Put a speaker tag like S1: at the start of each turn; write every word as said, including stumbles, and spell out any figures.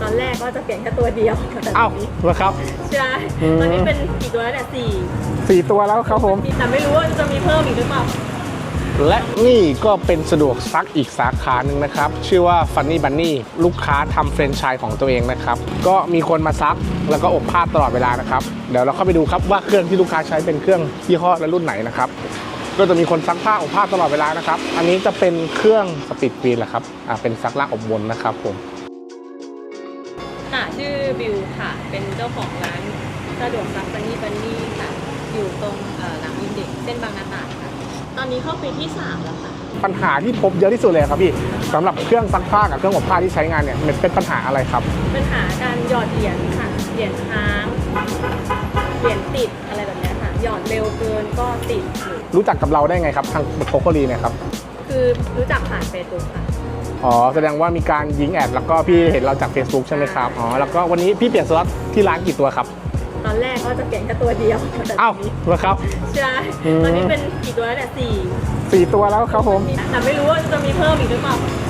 S1: ตอนแรกก็จะเปลี่ยนแค่ตัวเดียวแต่ต
S2: เอ้า
S1: อนนี้
S2: เหรอครับ
S1: ใช่ตอนนี้เป็นกี่ตัวแล้วเนี่ยสี่
S2: สี่ตัวแล้วครับผม
S1: แต่ไม่รู้ว่าจะมีเพิ่มอีกหรือเปล่า
S2: และนี่ก็เป็นสะดวกซักอีกสาขาหนึ่งนะครับชื่อว่า Funny Bunny ลูกค้าทำแฟรนไชส์ของตัวเองนะครับก็มีคนมาซักแล้วก็อบผ้าตลอดเวลานะครับเดี๋ยวเราเข้าไปดูครับว่าเครื่องที่ลูกค้าใช้เป็นเครื่องยี่ห้อและรุ่นไหนนะครับก็จะมีคนซักผ้าอบผ้าตลอดเวลานะครับอันนี้จะเป็นเครื่องสปีดกรีนแหละครับอ่าเป็นซักล่างอบวนนะครับผม
S1: ค่ะชื่อบิวค่ะเป็นเจ้าของร้านสะดวกซักบันนี่บันนี่ค่ะอยู่ตรงเอ่อหลังอินเด็กซ์เส้นบางนาตราดค่ะตอนนี้เข้าปีที่สามแล้วค่ะ
S2: ปัญหาที่พบเยอะที่สุดเลยครับพี่สำหรับเครื่องซักผ้ากับเครื่องอบผ้าที่ใช้งานเนี่ยมันเป็นปัญหาอะไรครับ
S1: ปัญหาการหยอดเหรียญค่ะเหรียญค้างเหรียญติดอะไรแบบเนี้ยค่ะหยอดเร็วเกินก็ติดหรือ
S2: รู้จักกับเราได้ไงครับทางโคโคลีเนี่ยครับ
S1: คือรู้จักผ่านเฟซบุ๊กค่ะ
S2: อ๋อแสดงว่ามีการยิงแอดแล้วก็พี่เห็นเราจาก Facebook ใช่ไหมครับอ๋อแล้วก็วันนี้พี่เปลี่ยนสล็อตที่ร้านกี่ตัวครับ
S1: ตอนแรกก็จะเปลี่ยนแค่ตัวเดียวแต่ต
S2: เอ้า
S1: อนนี้
S2: เหรอครับ
S1: ใช่
S2: อืม
S1: ตอนนี้เป็นกี่ตัวแล้วเนี่ยสี่
S2: สี่ตัวแล้วครับผม
S1: แต่ไม่รู้ว่าจะมีเพิ่มอีกหรือเปล่า